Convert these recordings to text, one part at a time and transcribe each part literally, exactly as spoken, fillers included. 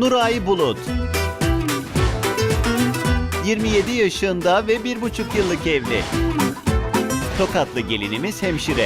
Nuray Bulut. yirmi yedi yaşında ve bir buçuk yıllık evli. Tokatlı gelinimiz hemşire.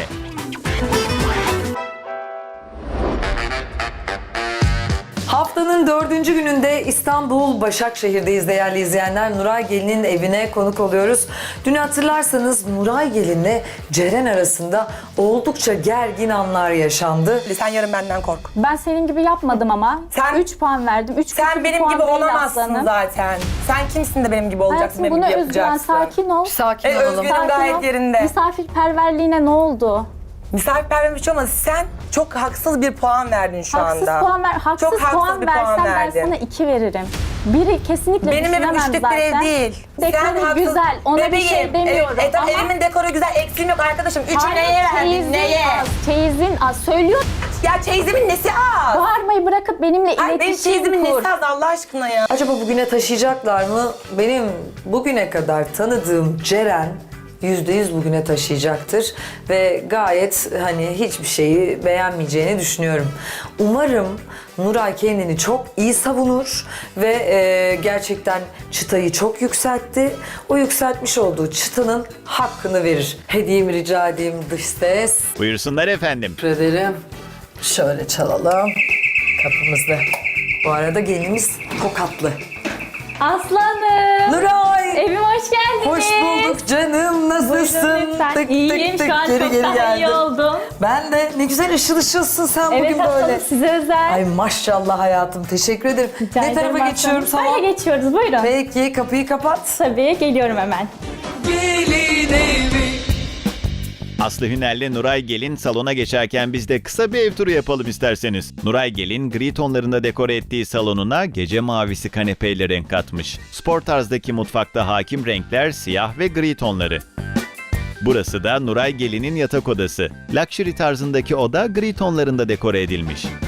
Haftanın dördüncü gününde İstanbul Başakşehir'deyiz değerli izleyenler. Nuray Gelin'in evine konuk oluyoruz. Dün hatırlarsanız Nuray Gelin'le Ceren arasında oldukça gergin anlar yaşandı. Sen yarın benden kork. Ben senin gibi yapmadım ama. Sen- üç puan verdim. üç Sen benim gibi olamazsın zaten. Sen kimsin de benim gibi olacaksın, Hayatım benim buna gibi özgüven, yapacaksın. sakin ol. Sakin E, olalım. özgürüm Sakin gayet ol. yerinde. Misafirperverliğine ne oldu? Misafirperver bir şey olmaz. Sen çok haksız bir puan verdin şu Haksız anda. puan ver. Haksız, Çok haksız puan bir puan versen ben verdin. sana iki veririm. Biri kesinlikle Benim evim düşünemem üçlük bir ev zaten. değil. Dekoru haksız- güzel. Ona bir şey Bebeğim, demiyorum Evet, e, tabii ama... evimin dekoru güzel. Eksiğim yok arkadaşım. Üçü Hayır, neye verdin? çeyizin Neye? az. Çeyizin az. Söylüyor. Ya çeyizimin nesi az? Bağırmayı bırakıp benimle Ay, benim iletişim çeyizimin kur. nesi az Allah aşkına ya? Acaba bugüne taşıyacaklar mı? Benim bugüne kadar tanıdığım Ceren yüzde yüz bugüne taşıyacaktır ve gayet hani hiçbir şeyi beğenmeyeceğini düşünüyorum. Umarım Nuray kendini çok iyi savunur ve e, gerçekten çıtayı çok yükseltti. O yükseltmiş olduğu çıtanın hakkını verir. Hediyemi rica edeyim dış ses. Buyursunlar efendim. Teşekkür ederim. Şöyle çalalım kapımızda. Bu arada gelinimiz Tokatlı. Aslanım. Nuray! Evime hoş geldiniz. Hoş bulduk canım. Nasılsın? Buyurun lütfen. Tık İyiyim. tık tık Şu an geri çok geri daha iyi geldim. oldum. Ben de ne güzel ışıl ışılsın sen Evet bugün böyle. aslanım size özel. Ay maşallah hayatım. Teşekkür ederim. Rica ne ederim tarafa aslanım. geçiyorum salon? Böyle geçiyoruz buyurun. Peki kapıyı kapat. Tabii geliyorum hemen. Aslı Hüner'le Nuray Gelin salona geçerken biz de kısa bir ev turu yapalım isterseniz. Nuray Gelin gri tonlarında dekore ettiği salonuna gece mavisi kanepeyle renk katmış. Spor tarzdaki mutfakta hakim renkler siyah ve gri tonları. Burası da Nuray Gelin'in yatak odası. Luxury tarzındaki oda gri tonlarında dekore edilmiş.